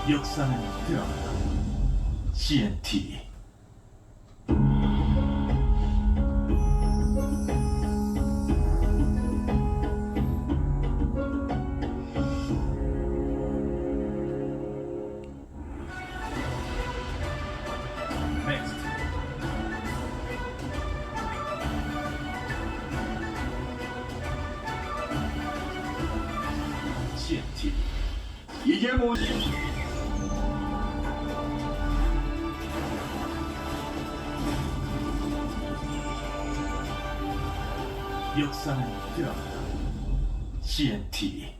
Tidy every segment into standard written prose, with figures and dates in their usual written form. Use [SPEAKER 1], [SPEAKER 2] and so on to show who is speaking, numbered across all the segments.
[SPEAKER 1] 역사는 드러난다. CNT. 넥스트. CNT. 이게 뭐지? 역사는 드러난다. CNT.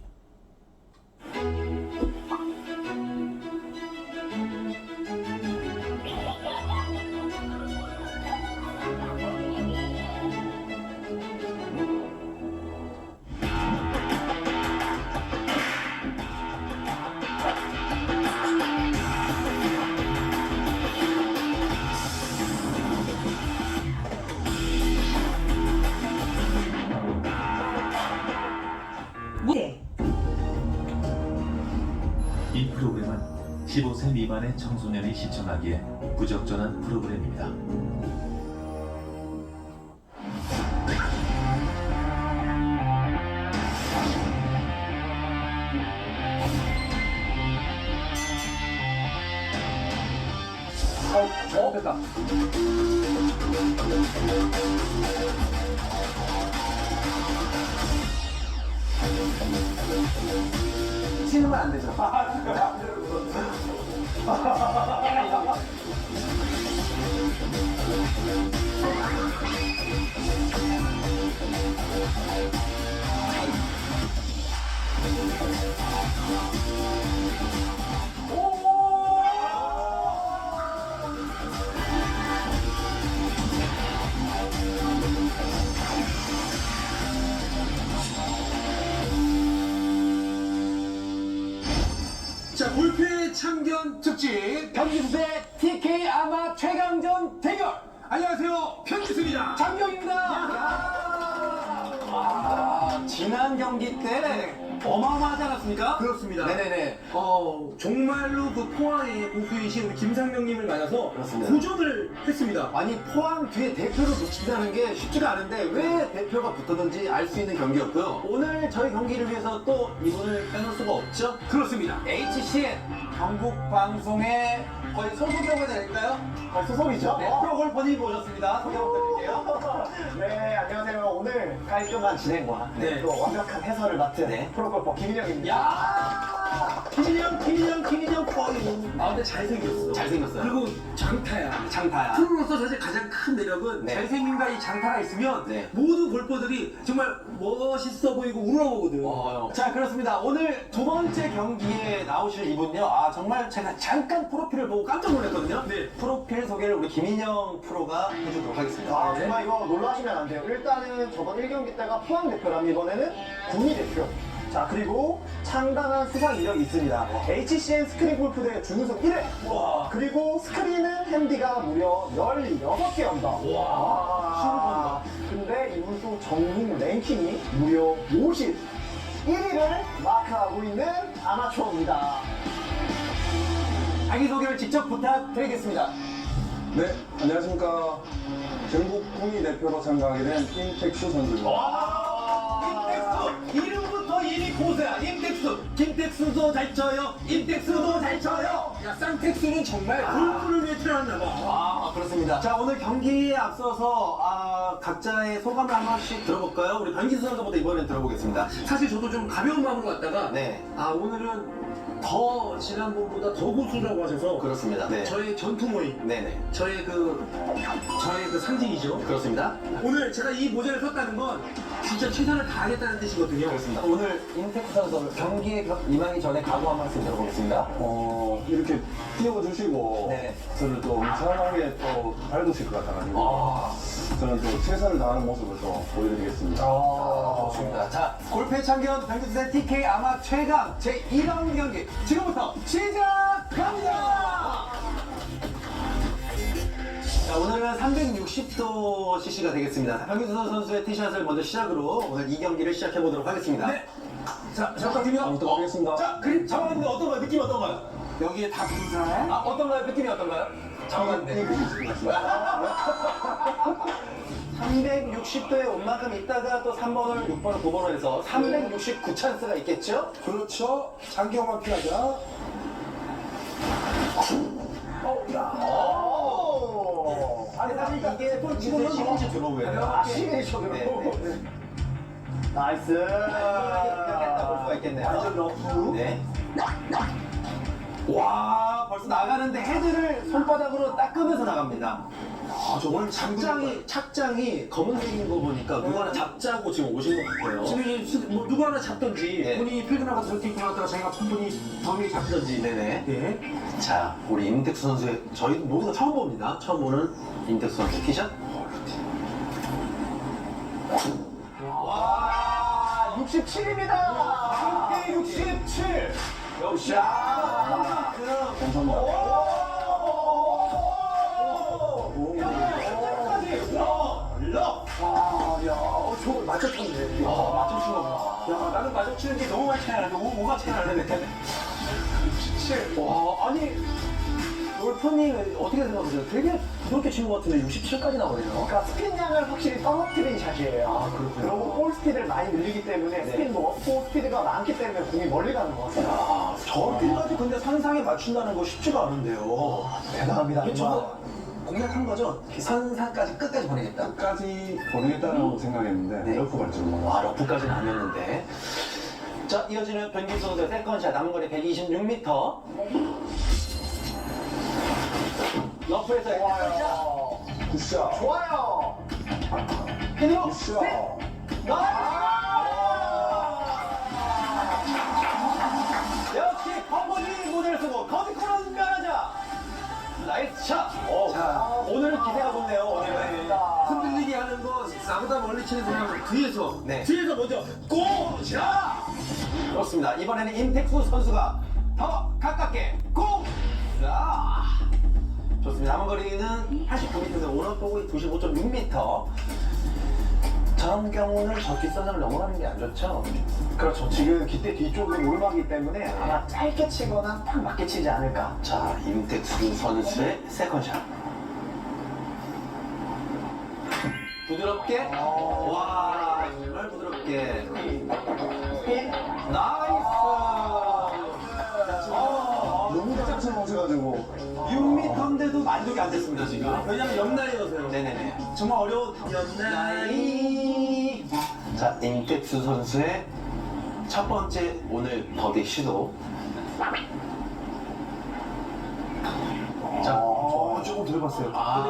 [SPEAKER 1] 이 프로그램은 15세 미만의 청소년이 시청하기에 부적절한 프로그램입니다.
[SPEAKER 2] 됐다. 치는 건 안 되죠.
[SPEAKER 3] 자, 골프의 참견 특집
[SPEAKER 2] 편집의 TK 아마 최강전 대결.
[SPEAKER 3] 안녕하세요, 편지수입니다.
[SPEAKER 2] 장경입니다. 지난 경기 때 어마어마하지 않았습니까?
[SPEAKER 3] 그렇습니다.
[SPEAKER 2] 네네네.
[SPEAKER 3] 정말로 그 포항의 고수이신 우리 김상명님을 만나서
[SPEAKER 2] 그렇습니다.
[SPEAKER 3] 고전을 했습니다.
[SPEAKER 2] 아니 포항 뒤에 대표를 놓친다는 게 쉽지가 않은데 왜 대표가 붙었는지 알 수 있는 경기였고요. 오늘 저희 경기를 위해서 또 이분을 빼놓을 수가 없죠.
[SPEAKER 3] 그렇습니다.
[SPEAKER 2] HCN 경북 방송의 거의 소속이라고 해야 될까요? 거의 소속이죠. 네, 프로골퍼님 모셨습니다. 소개 부탁드릴게요.
[SPEAKER 4] 네, 안녕하세요. 오늘 깔끔한 진행과
[SPEAKER 3] 네.
[SPEAKER 4] 또 완벽한 해설을 맡은
[SPEAKER 2] 네.
[SPEAKER 4] 프로골퍼 김인영입니다.
[SPEAKER 2] 야
[SPEAKER 3] 김인영 뻥이. 아, 근데 잘생겼어.
[SPEAKER 2] 잘생겼어요.
[SPEAKER 3] 그리고 장타야.
[SPEAKER 2] 장타야.
[SPEAKER 3] 프로로서 사실 가장 큰 매력은
[SPEAKER 2] 네.
[SPEAKER 3] 잘생김과 이 장타가 있으면
[SPEAKER 2] 네.
[SPEAKER 3] 모든 골퍼들이 정말 멋있어 보이고 우러러보거든.
[SPEAKER 2] 자, 그렇습니다. 오늘 두 번째 경기에 나오실 이분요. 아, 정말 제가 잠깐 프로필을 보고 깜짝 놀랐거든요.
[SPEAKER 3] 네.
[SPEAKER 2] 프로필 소개를 우리 김인영 프로가 해주도록 하겠습니다.
[SPEAKER 4] 아,
[SPEAKER 2] 네.
[SPEAKER 4] 정말 이거 놀라시면 안 돼요. 일단은 저번 1경기 때가 포항 대표라면 이번에는 군위 대표. 자, 그리고 상당한 수상 이력이 있습니다. HCN 스크린 골프 대회 준우승 1회. 그리고 스크린은 핸디가 무려 16개 연다. 와. 근데 이분 또 전국 랭킹이 무려 51위를 마크하고 있는 아마추어입니다.
[SPEAKER 2] 자기소개를 직접 부탁드리겠습니다.
[SPEAKER 5] 네, 안녕하십니까. 전국 군위 대표로 참가하게 된 임택수 선수입니다.
[SPEAKER 2] 임택수! 이름부터 이미 고세야. 임택수! 김택수도 잘 쳐요. 임택수도 잘 쳐요.
[SPEAKER 3] 야, 쌍택수는 정말 골프를 위해 태어났나 봐.
[SPEAKER 2] 아, 그렇습니다. 자, 오늘 경기에 앞서서 각자의 소감을 한 번씩 들어볼까요? 우리 변기수 선수부터 이번엔 들어보겠습니다.
[SPEAKER 3] 사실 저도 좀 가벼운 마음으로 왔다가
[SPEAKER 2] 네.
[SPEAKER 3] 아, 오늘은 더 지난번보다 더 고수라고 하셔서
[SPEAKER 2] 그렇습니다. 네.
[SPEAKER 3] 저의 전투 모임,
[SPEAKER 2] 네네.
[SPEAKER 3] 저의 그 상징이죠.
[SPEAKER 2] 그렇습니다.
[SPEAKER 3] 오늘 제가 이 모자를 썼다는 건 진짜 최선을 다하겠다는 뜻이거든요.
[SPEAKER 2] 그렇습니다. 오늘 임택수 선수 경기에 임하기 전에 각오 한 말씀 들어보겠습니다.
[SPEAKER 5] 이렇게 띄워주시고
[SPEAKER 2] 네.
[SPEAKER 5] 저를 또 음산하게 또 밝으실 것 같아가지고
[SPEAKER 2] 아,
[SPEAKER 5] 저는 또 최선을 다하는 모습을 또 보여드리겠습니다.
[SPEAKER 2] 좋습니다. 자, 골프의 참견 변기수 대 TK 아마 최강 제2라운드 경기 지금부터 시작합니다. 자, 오늘은 360도 CC가 되겠습니다. 변기수 선수의 티샷을 먼저 시작으로 오늘 이 경기를 시작해 보도록 하겠습니다.
[SPEAKER 3] 네. 자, 잘 부탁드립니다.
[SPEAKER 5] 부탁드리겠습니다.
[SPEAKER 3] 자, 그림 잡아봤는데 어떤가요? 느낌 어떤가요? 여기에 다 분사해?
[SPEAKER 2] 아, 어떤가요? 느낌이 어떤가요? 정한데. 360도에 온 만큼 있다가 또 3번을, 6번을, 9번을 해서 369 찬스가 있겠죠?
[SPEAKER 3] 그렇죠. 장기영만 피하자.
[SPEAKER 4] 오!
[SPEAKER 2] 아니, 사실 이게 폴치고는 시리즈 드로우예요.
[SPEAKER 4] 아, 시그니처 드로우.
[SPEAKER 2] 네.
[SPEAKER 4] 나이스.
[SPEAKER 2] 했다 볼 수가 있겠네요.
[SPEAKER 4] 완전 러프.
[SPEAKER 2] 네. 와, 벌써 나가는데 헤드를 손바닥으로 닦으면서 나갑니다.
[SPEAKER 3] 아, 저걸
[SPEAKER 2] 착장이 검은색인 거 보니까 누가 하나 잡자고 지금 오신 것 같아요.
[SPEAKER 3] 지금 뭐 누구 하나 잡던지
[SPEAKER 2] 네.
[SPEAKER 3] 본인이 필드 나가서 저렇게 입고 나왔다가 자기가 본인이 덤이 잡던지.
[SPEAKER 2] 네네.
[SPEAKER 3] 네.
[SPEAKER 2] 자, 우리 임택수 선수의 저희 모두가 처음 봅니다. 처음 보는 임택수 선수 티샷. 와, 67입니다. 67. 역시.
[SPEAKER 5] 감사합니다.
[SPEAKER 3] 저걸 맞췄던데.
[SPEAKER 2] 맞춤 거구나.
[SPEAKER 3] 야, 나는 맞춰치는 게 너무 많이 차이 나는데, 뭐가 차이 나는데.
[SPEAKER 2] 67. 와, 아니, 골프님 어떻게 생각하세요? 되게 부드럽게 치는 것 같은데 67까지 나오네요.
[SPEAKER 4] 그러니까 스핀 양을 확실히 떨어뜨린 샷이에요.
[SPEAKER 2] 아, 그렇군요.
[SPEAKER 4] 그리고 볼 스피드를 많이 늘리기 때문에 스핀도 없고 스피드가 많기 때문에 공이 멀리 가는 것 같아요.
[SPEAKER 2] 아, 저렇게까지 근데 상상에 맞춘다는 거 쉽지가 않은데요.
[SPEAKER 4] 대단합니다.
[SPEAKER 2] 이게 저거 공략한 거죠? 선상까지 끝까지 보내겠다.
[SPEAKER 5] 끝까지 보내겠다라고 생각했는데
[SPEAKER 2] 네.
[SPEAKER 5] 러프 갈 줄은 몰랐어요.
[SPEAKER 2] 와, 러프까지는 아니었는데. 자, 이어지는 변기수 선수의 세컨샷, 남은 거리 126m. 러프에서의 세컨샷.
[SPEAKER 5] 굿샷.
[SPEAKER 4] 좋아요.
[SPEAKER 2] 헤드로
[SPEAKER 5] 굿샷.
[SPEAKER 2] 역시 펑버니 모델 쓰고 거짓코는 면하자. 나이스 샷.
[SPEAKER 3] 자,
[SPEAKER 2] 오늘은 기세가 좋네요. 오늘은.
[SPEAKER 3] 흔들리게 하는 거, 나보다 멀리 치는 사람은 뒤에서.
[SPEAKER 2] 네.
[SPEAKER 3] 뒤에서 먼저, 고! 자!
[SPEAKER 2] 그렇습니다. 이번에는 임택수 선수가 더 가깝게 고! 자, 좋습니다. 남은 거리는 89m에서 오너 보고 95.6m. 저런 경우는 저 뒷선을 넘어가는 게 안 좋죠?
[SPEAKER 4] 그렇죠. 지금 기대 뒤쪽은 오르막이기 때문에 아마 짧게 치거나 딱 맞게 치지 않을까.
[SPEAKER 2] 자, 임택수 선수의 세컨샷. 부드럽게. 와, 정말 부드럽게.
[SPEAKER 4] 스핀.
[SPEAKER 2] 나이스.
[SPEAKER 5] 너무 짝짝 멈춰가지고
[SPEAKER 2] 6m인데도 만족이 안 됐습니다, 지금.
[SPEAKER 3] 왜냐면 옆라인이어서요.
[SPEAKER 2] 네네네.
[SPEAKER 3] 정말 어려운 옆라인.
[SPEAKER 2] 자, 임택수 선수의 첫 번째 오늘 버디 시도. 자,
[SPEAKER 3] 조금 들어봤어요.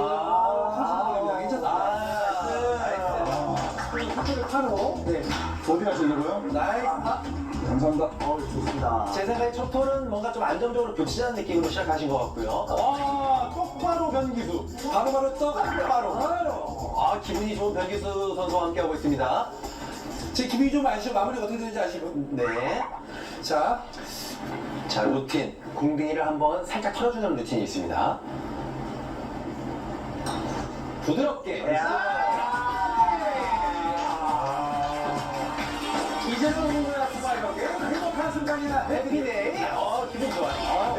[SPEAKER 2] 괜찮다.
[SPEAKER 4] 타로. 네.
[SPEAKER 5] 어디 하시려고요?
[SPEAKER 3] 나이스.
[SPEAKER 5] 감사합니다.
[SPEAKER 4] 좋습니다.
[SPEAKER 2] 제 생각에 첫 홀은 뭔가 좀 안정적으로 붙이자는 느낌으로 시작하신 것 같고요. 와, 똑바로 변기수.
[SPEAKER 3] 바로
[SPEAKER 2] 똑바로.
[SPEAKER 3] 바로.
[SPEAKER 2] 아, 기분이 좋은 변기수 선수와 함께하고 있습니다.
[SPEAKER 3] 제 기분이 좀 아시죠? 마무리가 어떻게 되는지 아시고.
[SPEAKER 2] 네.
[SPEAKER 3] 자,
[SPEAKER 2] 자, 루틴. 궁둥이를 한번 살짝 털어주는 루틴이 있습니다. 부드럽게.
[SPEAKER 3] 이제는 오늘의 스마일에게 행복한 순간이나
[SPEAKER 2] 해피데이. 기분 좋아요.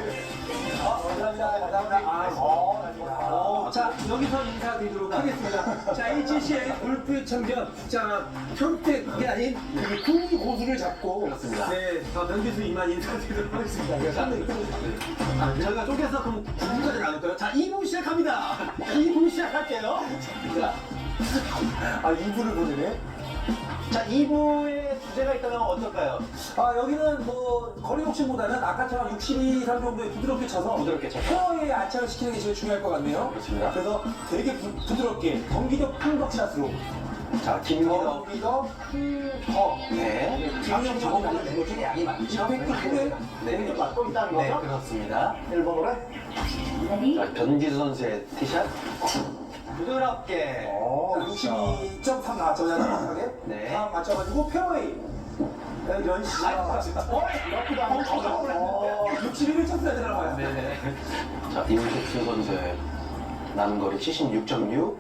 [SPEAKER 3] 감사합니다. 자, 여기서 인사드리도록 하겠습니다. 자, HCA 골프 챔피언. 자, 평택이 아닌 그 구미 고수를 잡고.
[SPEAKER 2] 그렇습니다.
[SPEAKER 3] 네, 변기수 이만 인사드리도록 하겠습니다. 상당히
[SPEAKER 2] 저희가 쪼개서 그럼 9분까지 나눌까요? 자, 2부 시작합니다. 2부 시작할게요. 자,
[SPEAKER 3] 2부를 보내네.
[SPEAKER 2] 자, 2부의 주제가 있다면 어떨까요?
[SPEAKER 3] 여기는 뭐 거리 욕심보다는 아까처럼 62, 3 정도에 부드럽게 쳐서
[SPEAKER 2] 부드럽게 쳐서.
[SPEAKER 3] 페어에 안착을 시키는 게 제일 중요할 것 같네요.
[SPEAKER 2] 그렇습니다.
[SPEAKER 3] 그래서 되게 부드럽게 경기력 한덕샷으로
[SPEAKER 2] 자, 김기덕.
[SPEAKER 3] 경기력
[SPEAKER 2] 네.
[SPEAKER 3] 김영
[SPEAKER 2] 저거
[SPEAKER 3] 저거
[SPEAKER 2] 내 것들이 양이 많죠?
[SPEAKER 3] 이펙트 크게
[SPEAKER 2] 네.
[SPEAKER 4] 맞고 있다는
[SPEAKER 2] 네,
[SPEAKER 4] 거죠?
[SPEAKER 2] 그렇습니다.
[SPEAKER 4] 1번으로.
[SPEAKER 2] 자, 변기수 선수의 티샷. 부드럽게.
[SPEAKER 3] 62.3 나왔죠, 정확하게.
[SPEAKER 2] 네.
[SPEAKER 3] 다 맞춰가지고 페어웨이. 이런 식.
[SPEAKER 4] 러프가 한번 더.
[SPEAKER 3] 61을 쳤어야 되나봐요.
[SPEAKER 2] 네네. 자, 임택수 선수의 남은 거리 76.6.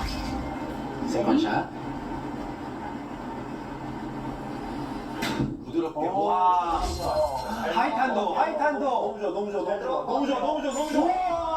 [SPEAKER 2] 세컨샷. 부드럽게. 와. 하이탄도, 하이탄도.
[SPEAKER 3] 너무 좋아, 너무 좋아, 너무 좋아, 너무 좋아, 너무 좋아, 너무 좋아.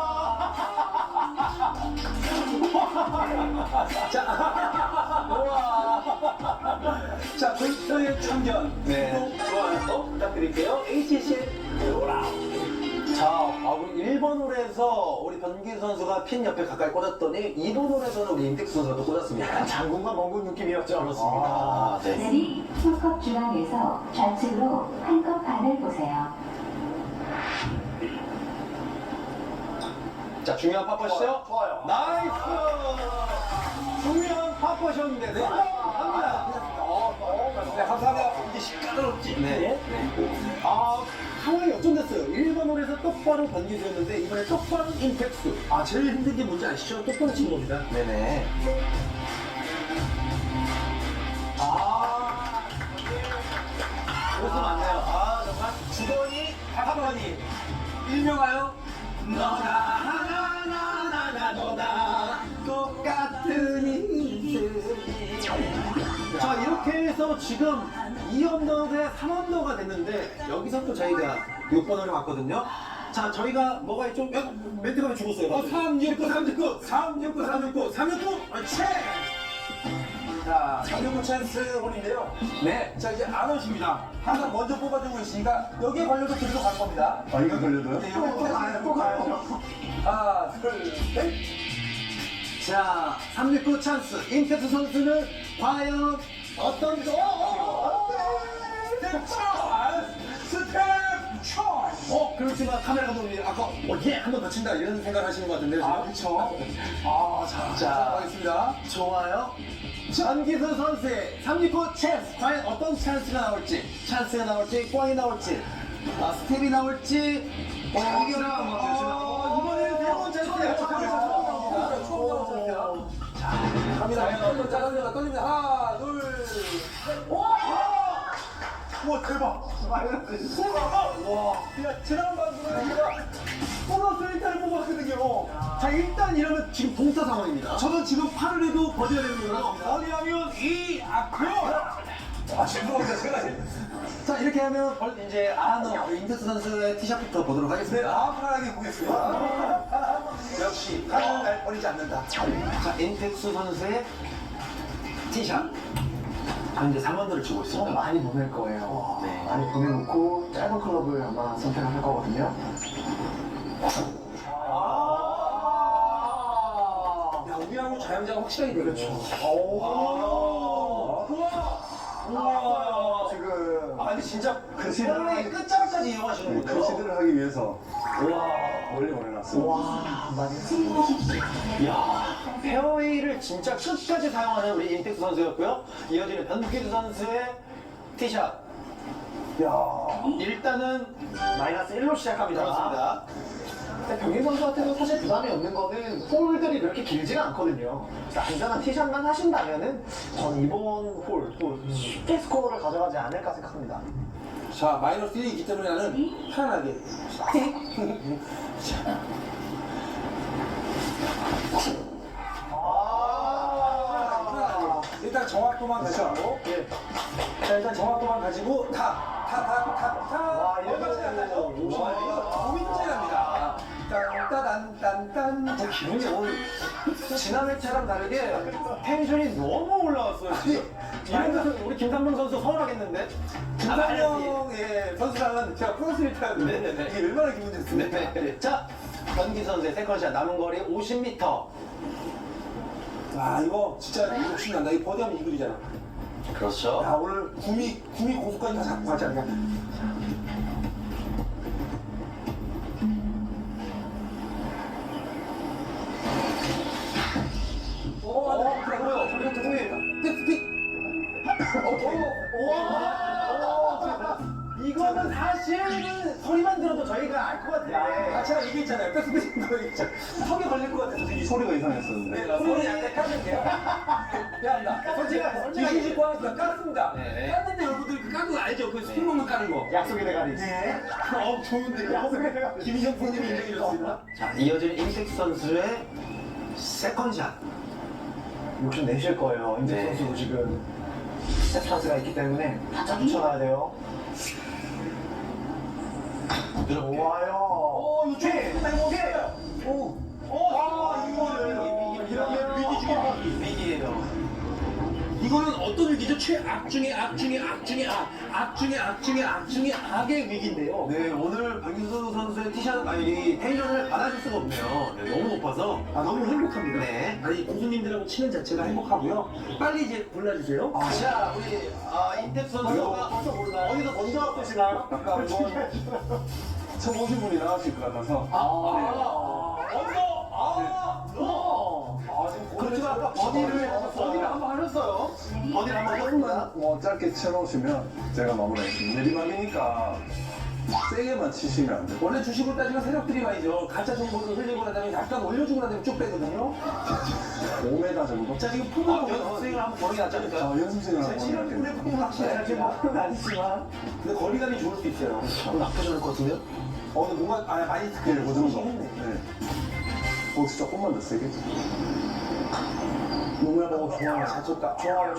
[SPEAKER 3] 자, 골프의 참견.
[SPEAKER 2] 네.
[SPEAKER 3] 구독, 좋아요 부탁드릴게요. HCN
[SPEAKER 2] 자, 우리 1번 홀에서 우리 변기 선수가 핀 옆에 가까이 꽂았더니 2번 홀에서는 우리 임택수 선수가 또 꽂았습니다.
[SPEAKER 4] 장군과 멍군 느낌이었죠.
[SPEAKER 2] 그렇습니다. 아, 네.
[SPEAKER 6] 내리 풀컵 중앙에서 좌측으로 한 컵 반을 보세요.
[SPEAKER 2] 자, 중요한 파퍼시죠?
[SPEAKER 4] 좋아요.
[SPEAKER 2] 나이스! 중요한 파퍼셨는데, 네. 갑니다.
[SPEAKER 3] 네, 감사합니다. 이게 시끄럽지.
[SPEAKER 2] 네.
[SPEAKER 3] 상황이 역전됐어요. 1번 홀에서 똑바로 번개주였는데 이번에 똑바로 임팩스. 제일 힘든 게 뭔지 아시죠? 똑바로 치는 겁니다.
[SPEAKER 2] 네네. 그것도 맞네요. 정말. 주거니, 파퍼니.
[SPEAKER 3] 일명하여 너나 너나 똑같은 인생. 자, 이렇게 해서 지금 2언더 대 3언더가 됐는데 여기서 또 저희가 6번으로 왔거든요. 자, 저희가 뭐가 있죠? 멘트가 왜 죽었어요? 369, 369, 369, 369, 369, 체크! 자, 369 찬스 홀인데요.
[SPEAKER 2] 네.
[SPEAKER 3] 자, 이제 안 오십니다. 항상 먼저 뽑아주고 있으니까 여기에 걸려도 그리로 갈 겁니다.
[SPEAKER 5] 아, 이거 걸려도요?
[SPEAKER 3] 네, 여기 또 가요, 또 가요. 하나, 둘, 셋. 자, 369 찬스. 임태수 선수는 과연 어떤 스텝 초이스! 그렇지만 카메라 감독님 아까 한 번 더 친다 이런 생각 하시는 것 같은데요. 그렇죠. 자, 가겠습니다. 좋아요. 전기수 선수의 369 찬스. 과연 어떤 찬스가 나올지, 찬스가 나올지, 꽝이 나올지, 스텝이 나올지, 이번에는 새로운 찬스예요. 처음 나온 찬스예요. 갑니다. 어떤 짜장면가 떨립니다. 하나, 둘, 셋. 우와, 대박. 와, 지난 방송에 제가 보너스 1타를 뽑았거든요. 자, 일단 이러면 지금 동타 상황입니다. 저는 지금 8을 해도 버텨야 되는 거예요. 버리하면 이 앞으로. 죄송합니다. 제가. 자, 이렇게 하면
[SPEAKER 2] 이제 임택수 선수의 티샷부터 보도록
[SPEAKER 3] 네,
[SPEAKER 2] 하겠습니다.
[SPEAKER 3] 편하게 보겠습니다. 역시 하는 날 버리지 않는다.
[SPEAKER 2] 자, 임택수 선수의 티샷. 현재 3원들을 치고 있습니다.
[SPEAKER 4] 많이 보낼 거예요.
[SPEAKER 2] 네.
[SPEAKER 4] 많이 보내놓고 짧은 클럽을 아마 선택을 할 거거든요.
[SPEAKER 3] 야, 우리하고 자연자가 확실하게 되겠죠.
[SPEAKER 4] 우와, 지금
[SPEAKER 2] 아니, 진짜
[SPEAKER 4] 글씨를
[SPEAKER 2] 볼의 끝자락까지 이용하시는군요.
[SPEAKER 5] 글씨들을 하기 위해서 멀리 보내놨습니다.
[SPEAKER 4] 와, 많이
[SPEAKER 2] 이야, 페어웨이를 진짜 끝까지 사용하는 우리 임택수 선수였고요. 이어지는 변기수 선수의 티샷. 일단은
[SPEAKER 4] 마이너스 1로 시작합니다.
[SPEAKER 2] 그렇습니다.
[SPEAKER 4] 근데 병인 선수한테도 사실 부담이 없는 거는 홀들이 그렇게 길지가 않거든요. 그래서 안전한 티샷만 하신다면은 전 이번 홀 또 쉽게 스코어를 가져가지 않을까 생각합니다.
[SPEAKER 3] 자, 마이너스 1이기 때문에 나는 편안하게. 일단 정확도만 가지고, 자, 일단 정확도만 가지고,
[SPEAKER 4] 와,
[SPEAKER 3] 이거 고민 차이랍니다. 딴따단딴딴.
[SPEAKER 2] 기분이 오늘 지난 회차랑 다르게 텐션이 너무 올라왔어요. 지금. 이러면서 우리 김삼명 선수 서운하겠는데?
[SPEAKER 3] 김상영의 선수랑은 제가 프로스를 타는데
[SPEAKER 2] 네네네.
[SPEAKER 3] 이게 얼마나 기분 좋습니까?
[SPEAKER 2] 네. 자, 변기 선수의 세컨샷 남은 거리 50m.
[SPEAKER 3] 아, 이거 진짜 욕심난다. 이 버디하면 이글이잖아.
[SPEAKER 2] 그렇죠.
[SPEAKER 3] 야, 오늘 구미 고수까지 다 잡고 가지 않냐?
[SPEAKER 2] 이거는 사실은 소리만 들어도 저희가 알 것 같아요.
[SPEAKER 3] 제가 이게 있잖아요. 백스피딩 거 있잖아. 턱에 걸릴 것 같아서 이
[SPEAKER 5] 소리가 이상했었는데.
[SPEAKER 3] 소리 약간 깠는데요. 미안합니다. 솔직히 지식과 하니까 깠습니다.
[SPEAKER 2] 네.
[SPEAKER 3] 깠는데 여러분들 그 깐 거 알죠? 그 스푼 먹는 까는 거.
[SPEAKER 4] 약속의 대가리.
[SPEAKER 3] 좋은데요?
[SPEAKER 4] 약속의 대가리.
[SPEAKER 3] 김희정 프로님이 인정해줬습니다.
[SPEAKER 2] 자, 이어지는 임택수 선수의 세컨샷.
[SPEAKER 4] 욕심 내실 거예요. 임재
[SPEAKER 2] 네.
[SPEAKER 4] 선수도 지금. 스텝 찬스가 있기 때문에 바짝 붙여놔야 돼요.
[SPEAKER 2] 부드럽게.
[SPEAKER 4] 좋아요.
[SPEAKER 3] 이거 좀
[SPEAKER 4] 네.
[SPEAKER 3] 이러면 위기 중에
[SPEAKER 2] 위기예요.
[SPEAKER 3] 이거는 어떤 위기죠? 최악 중에 악 중에 악 중에 악 중에 악 중에 악 중에 악의 위기인데요.
[SPEAKER 2] 네, 오늘 박인수 선수의 티샷, 이 텐션을 받아줄 수가 없네요. 네, 너무 높아서.
[SPEAKER 3] 아 너무 행복합니다.
[SPEAKER 2] 네.
[SPEAKER 3] 아니 고수님들하고 치는 자체가 행복하고요. 빨리 이제 골라주세요.
[SPEAKER 2] 자, 우리 임택수 선수가
[SPEAKER 4] 벌써 모르나요? 어디서 먼저 보시나요?
[SPEAKER 5] 아까 한번 쳐보신 분이 나왔을 것 같아서
[SPEAKER 2] 그렇지만 아까 버디를 한번 하셨어요. 버디를 한번 하셨습니다.
[SPEAKER 5] 뭐 짧게 쳐놓으시면 제가 마무리하겠습니다. 내리막이니까 세게만 치시면 안 돼요.
[SPEAKER 3] 원래 주식으로 따지면 세력들이 말이죠. 가짜 정보를 흘리고 난 다음에 약간 올려주고 난 다음에 쭉 빼거든요.
[SPEAKER 5] 5m 정도?
[SPEAKER 3] 자 지금 폼을
[SPEAKER 2] 연습 스윙을 한번 보는 게 낫지 않을까요?
[SPEAKER 5] 연습 생활 한번
[SPEAKER 3] 실험
[SPEAKER 5] 할게요.
[SPEAKER 3] 폼의 폼은 확실히 잘
[SPEAKER 4] 지금
[SPEAKER 3] 치고
[SPEAKER 4] 먹는 아니지만.
[SPEAKER 3] 근데 거리감이 좋을 수 있어요.
[SPEAKER 2] 나쁘지 않을 것 같은데요?
[SPEAKER 3] 근데 뭔가 많이
[SPEAKER 5] 네, 그 정도. 네. 거기서 조금만 더 세게.
[SPEAKER 3] 너무 약간 좋아요. 잘 쳤다.
[SPEAKER 4] 좋아요.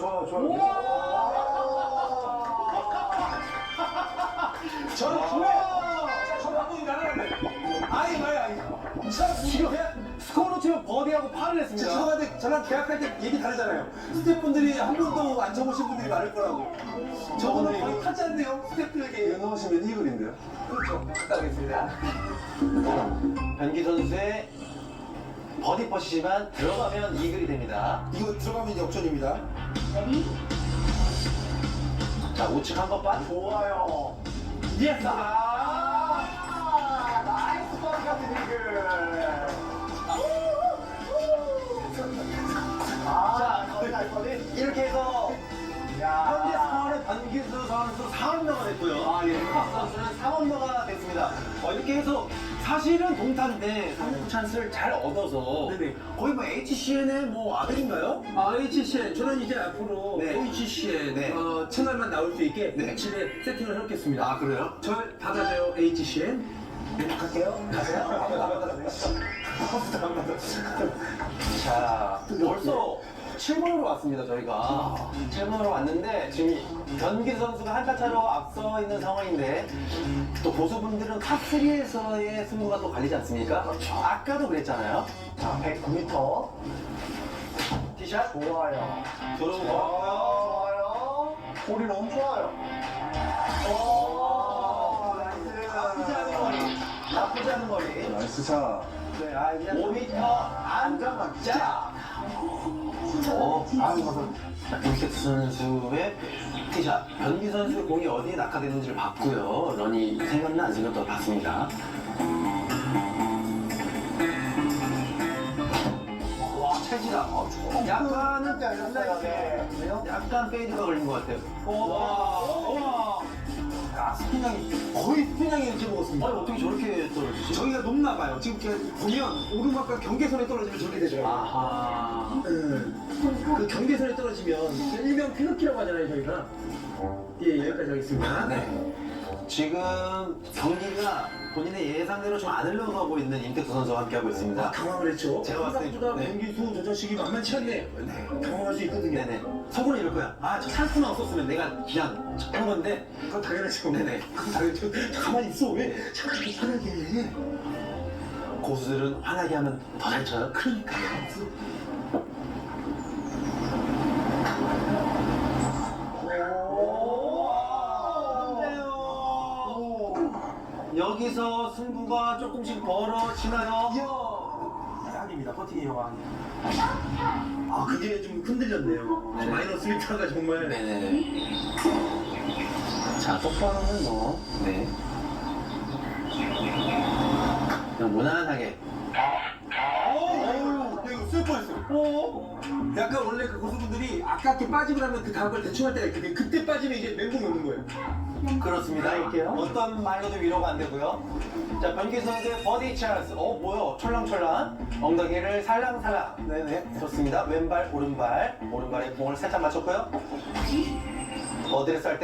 [SPEAKER 3] 저는 좋아요. 저 방송이 날아갔네. 아니. 지금
[SPEAKER 2] 스코어로 치면 버디하고 파를 했습니다.
[SPEAKER 3] 죄송한데 저랑 계약할 때 얘기 다르잖아요. 스태프분들이 한 번도 안 쳐보신 분들이 많을 거라고. 저거는 거의 타짜인데요. 스태프에게.
[SPEAKER 5] 이거 넣으시면 이글인데요.
[SPEAKER 3] 그렇죠. 갔다 오겠습니다.
[SPEAKER 2] 변기 선수의 버디 퍼시지만 들어가면 이글이 됩니다.
[SPEAKER 3] 이거 들어가면 역전입니다.
[SPEAKER 2] 자, 우측 한 것 반.
[SPEAKER 4] 좋아요.
[SPEAKER 2] 예스!
[SPEAKER 4] 나이스 버디 같은 이글. 버디.
[SPEAKER 2] 이렇게 해서 현재
[SPEAKER 4] 야.
[SPEAKER 2] 상황은 변기수 선수 4원너가 됐고요. 임택수 선수는 3원너가 됐습니다. 이렇게 해서 사실은 동타인데 3구 찬스를 잘 얻어서
[SPEAKER 3] 네네.
[SPEAKER 2] 거의 뭐 HCN의 뭐 아들인가요?
[SPEAKER 3] HCN 저는 이제 앞으로
[SPEAKER 2] 네.
[SPEAKER 3] HCN
[SPEAKER 2] 네.
[SPEAKER 3] 채널만 나올 수 있게
[SPEAKER 2] 네.
[SPEAKER 3] 집에 세팅을 해놓겠습니다.
[SPEAKER 2] 아, 그래요?
[SPEAKER 3] 절 받아줘요 HCN.
[SPEAKER 4] 갈게요.
[SPEAKER 2] 자, 벌써 7번으로 왔습니다, 저희가. 7번으로 왔는데, 지금 변기수 선수가 한타 차로 앞서 있는 상황인데, 또 고수분들은 탑3에서의 승부가 또 갈리지 않습니까? 그렇죠. 아까도 그랬잖아요.
[SPEAKER 4] 자, 109m.
[SPEAKER 2] 티샷
[SPEAKER 4] 좋아요.
[SPEAKER 2] 들어오고.
[SPEAKER 4] 좋아요.
[SPEAKER 5] 꼬리로
[SPEAKER 4] 좋아요. 오,
[SPEAKER 2] 나쁘지 않은 거리. 나쁘지 않은 거리.
[SPEAKER 5] 나이스 샷.
[SPEAKER 4] 네, 아, 그냥
[SPEAKER 2] 5m 안정만 자. 자, 임택수 선수의 티샷. 변기 선수의 공이 어디에 낙하되는지를 봤고요. 런이 생겼나 안 생겼나 봤습니다. 와, 찰지다. 약간은 약간 페이드가 걸린 것 같아요. 와.
[SPEAKER 3] 야, 스피낭이 거의 스피낭이 찍어먹었습니다.
[SPEAKER 2] 아니, 어떻게 저렇게 떨어지지?
[SPEAKER 3] 저기가 높나 봐요. 지금 이렇게 보면 오르막과 경계선에 떨어지면 저렇게 되더라고요.
[SPEAKER 2] 아하.
[SPEAKER 3] 그 경계선에 떨어지면 일명 피노키라고 하잖아요, 저희가. 예, 여기까지 하겠습니다.
[SPEAKER 2] 네. 지금 경기가 본인의 예상대로 좀 안 흘러가고 있는 임택수 선수와 함께하고 있습니다.
[SPEAKER 3] 당황을 했죠.
[SPEAKER 2] 제가 봤을 때
[SPEAKER 3] 생각보다
[SPEAKER 2] 네.
[SPEAKER 3] 변기수 저 자식이 만만치 않네.
[SPEAKER 2] 네.
[SPEAKER 3] 당황할 수 있거든요.
[SPEAKER 2] 네네. 속으로 이럴 거야. 저 찬스만 없었으면 내가 그냥 한 건데.
[SPEAKER 3] 그건 당연하죠.
[SPEAKER 2] 네네.
[SPEAKER 3] 가만히 있어. 왜? 자꾸 이렇게 편하게 해.
[SPEAKER 2] 고수들은 화나게 하면 더 잘 쳐요.
[SPEAKER 3] 그러니까요.
[SPEAKER 2] 여기서 승부가 조금씩 벌어지나요?
[SPEAKER 3] 대박입니다. 퍼팅의 여왕. 그게 좀 흔들렸네요.
[SPEAKER 2] 네네.
[SPEAKER 3] 마이너스 1타가 정말.
[SPEAKER 2] 네네. 자, 똑바로는 뭐, 네. 그냥 무난하게.
[SPEAKER 3] 이거 쓸 뻔했어요. 약간 원래 그 고수분들이 아깝게 빠지고 나면 그 다음 걸 대충 할 때가 있거든요. 그때 빠지면 이제 멘붕이 오는 거예요.
[SPEAKER 2] 그렇습니다.
[SPEAKER 4] 할게요.
[SPEAKER 2] 어떤 말로도 위로가 안 되고요. 자, 변기 선수의 버디 찬스. 뭐요? 철랑철랑. 엉덩이를 살랑살랑. 네네. 좋습니다. 왼발, 오른발. 오른발에 공을 살짝 맞췄고요. 버디를 쌀 때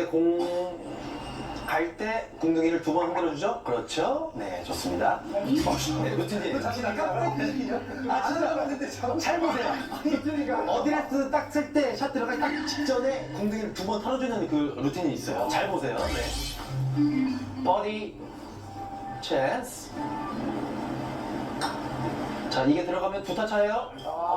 [SPEAKER 2] 갈 때 궁둥이를 2번 흔들어주죠? 그렇죠? 네, 좋습니다. 네, 루틴이.
[SPEAKER 3] 자신 아까
[SPEAKER 2] 진짜. 잘 보세요. 어드레스 딱 쓸 때 샷 들어가 딱 직전에 궁둥이를 2번 털어주는 그 루틴이 있어요. 잘 보세요. 네. 버디 찬스. 자, 이게 들어가면 2타 차예요.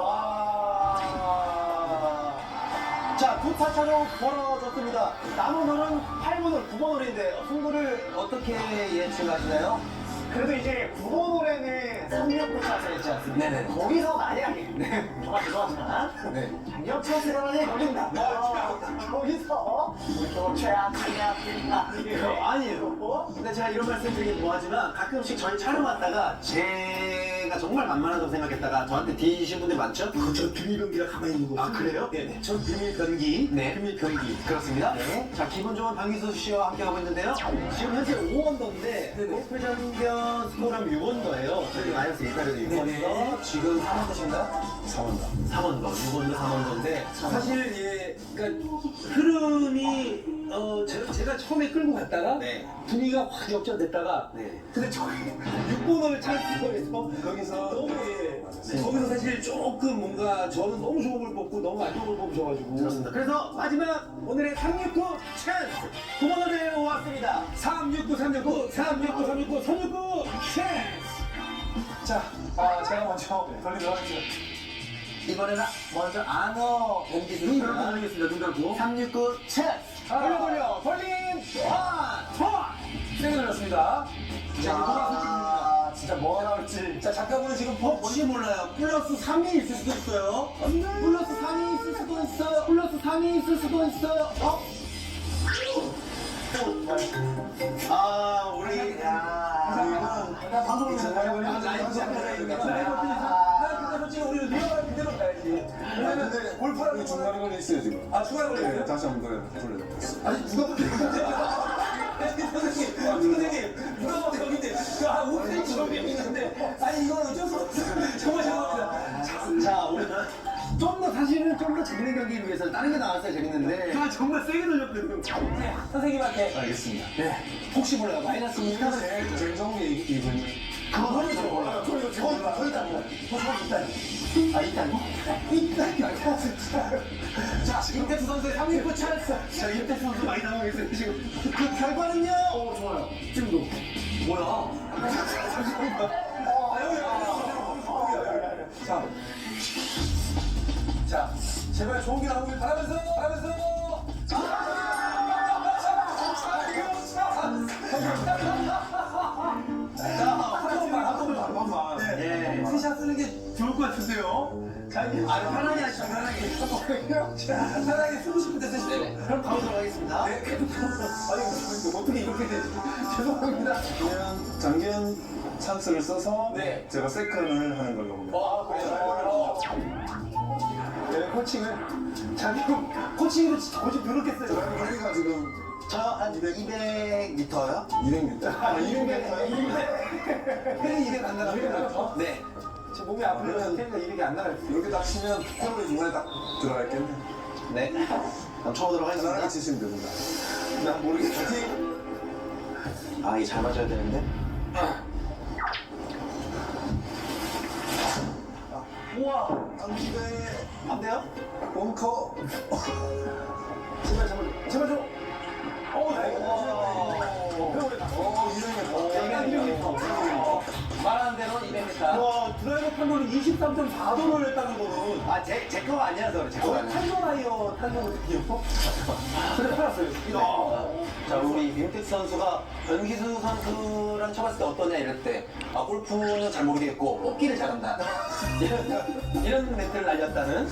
[SPEAKER 2] 자, 2타 차로 벌어졌습니다. 남은 홀은 8번 홀, 9번 홀인데 승부를 어떻게 예측하시나요?
[SPEAKER 4] 그래도 이제 9번 홀에는 3력 차가 있지 않습니까?
[SPEAKER 2] 네네.
[SPEAKER 4] 거기서 만약에 정말 죄송하지만
[SPEAKER 2] 네.
[SPEAKER 4] 장력 차스가 만약에 걸린다. 거기서 우리 또 최악이야.
[SPEAKER 2] 아니에요. 근데 제가 이런 말씀 드리긴 뭐하지만 가끔씩 저희 촬영 왔다가 제가 정말 만만하다고 생각했다가 저한테 뒤지신 분들 많죠?
[SPEAKER 3] 저 비밀 변기라 가만히 있는 거.
[SPEAKER 2] 아, 그래요? 네네.
[SPEAKER 3] 저 비밀 변기.
[SPEAKER 2] 네.
[SPEAKER 3] 비밀 변기.
[SPEAKER 2] 그렇습니다.
[SPEAKER 3] 네.
[SPEAKER 2] 자, 기분 좋은 방기수 씨와 함께하고 있는데요. 지금 현재 5원더인데 골프 장견 스코어랑 6원더예요. 저희 마이너스 1타에도 6원더. 지금 3원더신가요?
[SPEAKER 5] 4원다.
[SPEAKER 2] 3원더, 6원더, 3원더인데
[SPEAKER 3] 사실 예, 그러니까 흐름이 제가 처음에 끌고 갔다가
[SPEAKER 2] 네.
[SPEAKER 3] 분위기가 확 역전됐다가
[SPEAKER 2] 네.
[SPEAKER 3] 근데 저희 6번을 찬스에서
[SPEAKER 5] 거기서
[SPEAKER 3] 너무 예,
[SPEAKER 2] 네.
[SPEAKER 3] 거기서 사실 조금 뭔가 저는 너무 좋은 걸 뽑고 너무 안 좋은 걸 뽑으셔가지고
[SPEAKER 2] 그렇습니다. 그래서 마지막 오늘의 369 찬스 9번을 왔습니다.
[SPEAKER 3] 369 369 369 369 369 찬스.
[SPEAKER 4] 자, 제가 먼저 걸리도록 하겠습니다.
[SPEAKER 2] 이번에는 먼저 안어
[SPEAKER 3] 눈
[SPEAKER 2] 옮기겠습니다.
[SPEAKER 3] 감고 돌리겠습니다. 눈 감고
[SPEAKER 2] 369 찬스.
[SPEAKER 3] 돌려 돌림 세게 돌렸습니다. 자,
[SPEAKER 4] 아, 진짜 뭐가 나올지.
[SPEAKER 3] 자, 작가분은 지금
[SPEAKER 2] 혹시 몰라요. 플러스 3이 있을 수도 있어요. 플러스 3이 있을 수도 있어요. 플러스 3이 있을 수도 있어요. 아, 우리
[SPEAKER 4] 방송을
[SPEAKER 3] 솔직히 우리는 리얼한 그대로 가야지.
[SPEAKER 5] 근데 골프라는 중간에 걸려 있어요 지금.
[SPEAKER 3] 아, 추가 걸려요?
[SPEAKER 5] 네, 다시 한번 돌려드렸습니다.
[SPEAKER 3] 아니, 누가 선생님, 누가 봐도 여기인데, 아, 5cm 정도 있는데, 아니, 이건 어쩔 수 없어요. 정말 죄송합니다.
[SPEAKER 2] 자, 우리는 좀 더 사실은 좀 더 재밌는 경기를 위해서 다른 게 나왔어야 재밌는데.
[SPEAKER 3] 아, 정말 세게 돌렸거든요. 네, 선생님한테.
[SPEAKER 5] 알겠습니다.
[SPEAKER 2] 네. 혹시 몰라요. 마이너스 2타는
[SPEAKER 5] 제일 좋은 게 이분.
[SPEAKER 2] 그거는 저 몰라요.
[SPEAKER 4] 저 있다니.
[SPEAKER 2] 아, 2타니? 자, 임태수 선수의 369 찬스. 자, 임태수 선수 많이 당황했어요, 지금. 그 결과는요?
[SPEAKER 3] 좋아요.
[SPEAKER 2] 지금도. 뭐야?
[SPEAKER 3] 자, 제발 좋은 길 나오길 바라면서. 한 번만.
[SPEAKER 2] 예.
[SPEAKER 3] 티샷 쓰는 게 좋을 것 같은데요? 자기
[SPEAKER 2] 편하게 하시죠, 편하게.
[SPEAKER 3] 편하게 쓰고 싶을 때 쓰시죠.
[SPEAKER 2] 그럼 가보도록 하겠습니다.
[SPEAKER 3] 네. 아니, 어떻게 이렇게 되지? 죄송합니다.
[SPEAKER 5] 그냥 장기현 찬스를 써서
[SPEAKER 3] 네.
[SPEAKER 5] 제가 세컨을 하는 걸로 봅니다.
[SPEAKER 3] 그래요?
[SPEAKER 4] 네, 코칭을.
[SPEAKER 2] 자기 코칭으로 고집 누르겠어요.
[SPEAKER 5] 여기가 지금
[SPEAKER 2] 저한 200m요?
[SPEAKER 5] 200m.
[SPEAKER 2] 아, 200m요? 그래, 200 안 나가요? 네.
[SPEAKER 4] 제 몸이 아프면 텐가 200이 안 나갈 수
[SPEAKER 5] 이렇게 딱 치면 페어웨이 중간에 딱 들어갈겠네.
[SPEAKER 2] 네. 그럼 쳐보도록 하겠습니다.
[SPEAKER 5] 편하게 치시면 됩니다.
[SPEAKER 2] 난 모르겠어. 아, 이게 잘 맞아야 되는데.
[SPEAKER 4] 우와!
[SPEAKER 5] 안돼.
[SPEAKER 2] 안 돼요?
[SPEAKER 5] 벙커.
[SPEAKER 4] 제발 좀.
[SPEAKER 2] 말하는 대로 200m.
[SPEAKER 3] 와, 드라이버 판도는 23.4도를 했다는 거는.
[SPEAKER 2] 아, 제 거가 아니라서 그래, 제 거가 아니라.
[SPEAKER 3] 탄소 라이어 탄소거든요. 그래, 팔았어요.
[SPEAKER 2] 자, 우리 임택 선수가 변기수 선수랑 쳐봤을 때 어떠냐 이럴 때, 아, 골프는 잘 모르겠고 뽑기를 잘한다. 이런 멘트를 날렸다는.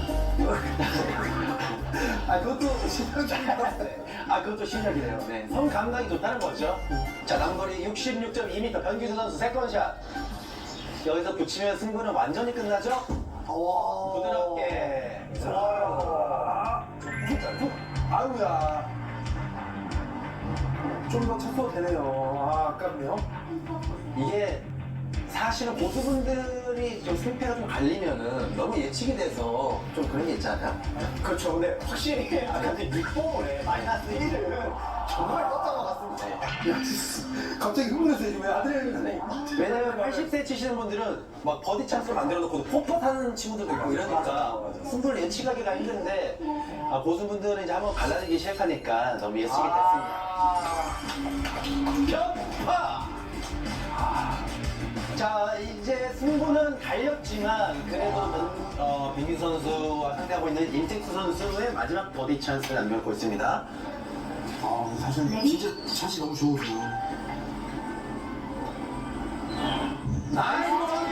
[SPEAKER 3] 아, 그것도 실력입니다.
[SPEAKER 2] 아, 그것도 실력이래요. 네. 성 감각이 좋다는 거죠. 자, 남거리 66.2m 변기수 선수 세컨샷. 여기서 붙이면 승부는 완전히 끝나죠? 부드럽게.
[SPEAKER 3] 아유야. 좀 더 쳤어도 되네요. 아, 아깝네요.
[SPEAKER 2] 이게 사실은 고수분들이 좀 승패가 좀 갈리면은 너무 예측이 돼서 좀 그런 게 있지 않아요?
[SPEAKER 4] 그렇죠. 근데 확실히 아까 6번에 마이너스 1을 정말 떴던 것 같습니다.
[SPEAKER 3] 야, 진짜 갑자기 흥분했어요. 지금 왜 아드레날린.
[SPEAKER 2] 왜냐면 80세 치시는 분들은 막 버디 찬스를 만들어 놓고 포퍼 타는 친구들도 있고 이러니까 승부를 예측하기가 힘든데 고수분들은 이제 한번 갈라지기 시작하니까 너무 예측이 됐습니다. 격파! 자, 이제 승부는 갈렸지만 그래도 빈규 선수와 상대하고 있는 임택수 선수의 마지막 버디 찬스를 남겨놓고 있습니다.
[SPEAKER 3] 사실 진짜 샷이 너무 좋으세요.
[SPEAKER 2] 나이스 버디!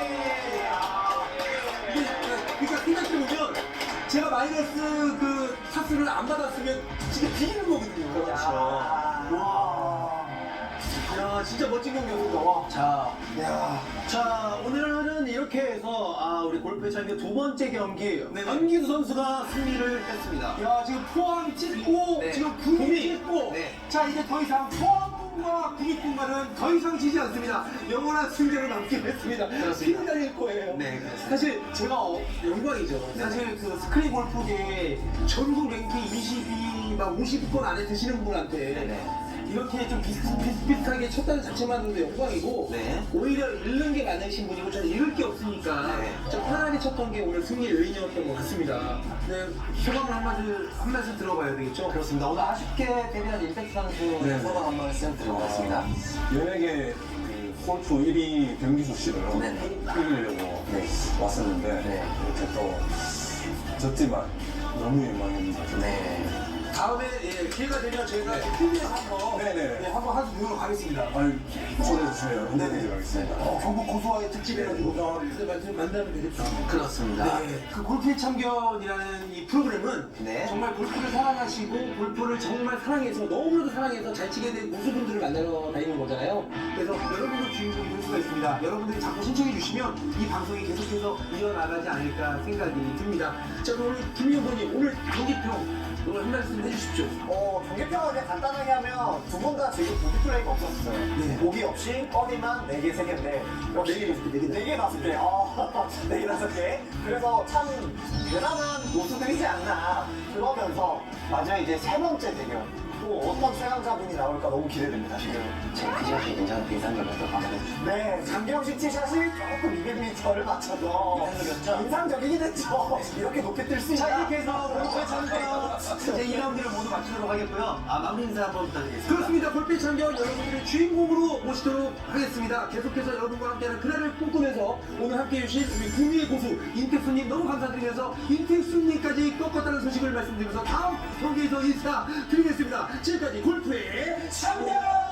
[SPEAKER 3] 그러니까 생각해보면 제가 마이너스 그 타수를 안 받았으면 진짜 비기는 거거든요.
[SPEAKER 2] 그렇죠.
[SPEAKER 3] 와. 야, 진짜 멋진 경기였습니다. 와.
[SPEAKER 2] 자, 오늘은 이렇게 해서 우리 골프의 참여 두 번째 경기
[SPEAKER 3] 네.
[SPEAKER 2] 안기수 선수가 승리를 했습니다.
[SPEAKER 3] 야, 지금 포항 찍고
[SPEAKER 2] 네.
[SPEAKER 3] 지금 구미 찍고
[SPEAKER 2] 네.
[SPEAKER 3] 자, 이제 더 이상 포항과 구미뿐만은 더 이상 지지 않습니다. 영원한 승자로 남기로 했습니다.
[SPEAKER 2] 그렇습니다.
[SPEAKER 3] 빛날릴 거예요.
[SPEAKER 2] 네, 그렇습니다.
[SPEAKER 3] 사실 제가 영광이죠. 사실 그 스크린 골프계 전국 랭킹 22, 막 50권 안에 드시는 분한테
[SPEAKER 2] 네네.
[SPEAKER 3] 이렇게 좀 비슷하게 쳤다는 자체만으로도 영광이고
[SPEAKER 2] 네.
[SPEAKER 3] 오히려 잃는 게 많으신 분이고 저는 잃을 게 없으니까
[SPEAKER 2] 네.
[SPEAKER 3] 좀 편하게 쳤던 게 오늘 승리의 요인이었던 것 같습니다. 네, 소감을 한 말씀 들어봐야 되겠죠?
[SPEAKER 2] 그렇습니다. 오늘 아쉽게 데뷔한 임팩트 선수의
[SPEAKER 5] 네.
[SPEAKER 2] 소감 한 말씀 드려보겠습니다.
[SPEAKER 5] 연예계 그 골프 1위 변기수 씨를
[SPEAKER 2] 네네.
[SPEAKER 5] 이기려고
[SPEAKER 2] 네.
[SPEAKER 5] 왔었는데
[SPEAKER 2] 네.
[SPEAKER 5] 이렇게 또 졌지만 너무 민망합니다.
[SPEAKER 2] 네.
[SPEAKER 3] 다음에 기회가 되면 저희가 TV에서 한번
[SPEAKER 5] 네네.
[SPEAKER 3] 한번 한수 보도록 하겠습니다.
[SPEAKER 5] 아유, 초대해 주시면 언제든지 가겠습니다.
[SPEAKER 3] 경북 고수와의 특집이라고 만나면 되겠다.
[SPEAKER 2] 그렇습니다.
[SPEAKER 3] 네, 그 골프의 참견이라는 이 프로그램은
[SPEAKER 2] 네.
[SPEAKER 3] 정말 골프를 사랑하시고 골프를 정말 사랑해서 너무나도 사랑해서 잘 치게 된 고수분들을 만나러 다니는 거잖아요. 그래서 여러분도 주인공이 될 수가 있습니다. 여러분들이 자꾸 신청해 주시면 이 방송이 계속해서 이어나가지 않을까 생각이 듭니다. 자, 그럼 오늘 김희호님 오늘 경기평 오늘 한 말씀 해주십시오.
[SPEAKER 4] 경기평을 그냥 간단하게 하면 두 분 다 지금 보기 플레이가 없었어요.
[SPEAKER 3] 네.
[SPEAKER 4] 보기 없이 버디만 4개, 3개인데 역시 4개, 5개. 4개, 5개. 그래서 참 대단한 모습들이지 않나. 그러면서 마지막 이제 세 번째 대결. 또 어떤 최강자분이 나올까 너무 기대됩니다, 지금.
[SPEAKER 2] 제 티샷이 괜찮은 인상적이었던 것 같아요.
[SPEAKER 4] 네, 장기영식 티샷이 조금 200m를 맞춰서
[SPEAKER 2] 인상적이었죠?
[SPEAKER 4] 인상적이긴 했죠. 이렇게 높게 뜰 수 있나?
[SPEAKER 2] 자, 이렇게 해서 골프의 참견 이제 2라운드를 모두 마치도록 하겠고요. 마무리 인사 한번 부탁드리겠습니다.
[SPEAKER 3] 그렇습니다. 골프의 참견 여러분들을 주인공으로 모시도록 하겠습니다. 계속해서 여러분과 함께하는 그날을 꿈꾸면서 오늘 함께해 주신 우리 구미의 고수 임택수님 너무 감사드리면서 임택수님까지 꺾었다는 소식을 말씀드리면서 다음 경기에서 인사드리겠습니다. 지금까지 골프의 참견!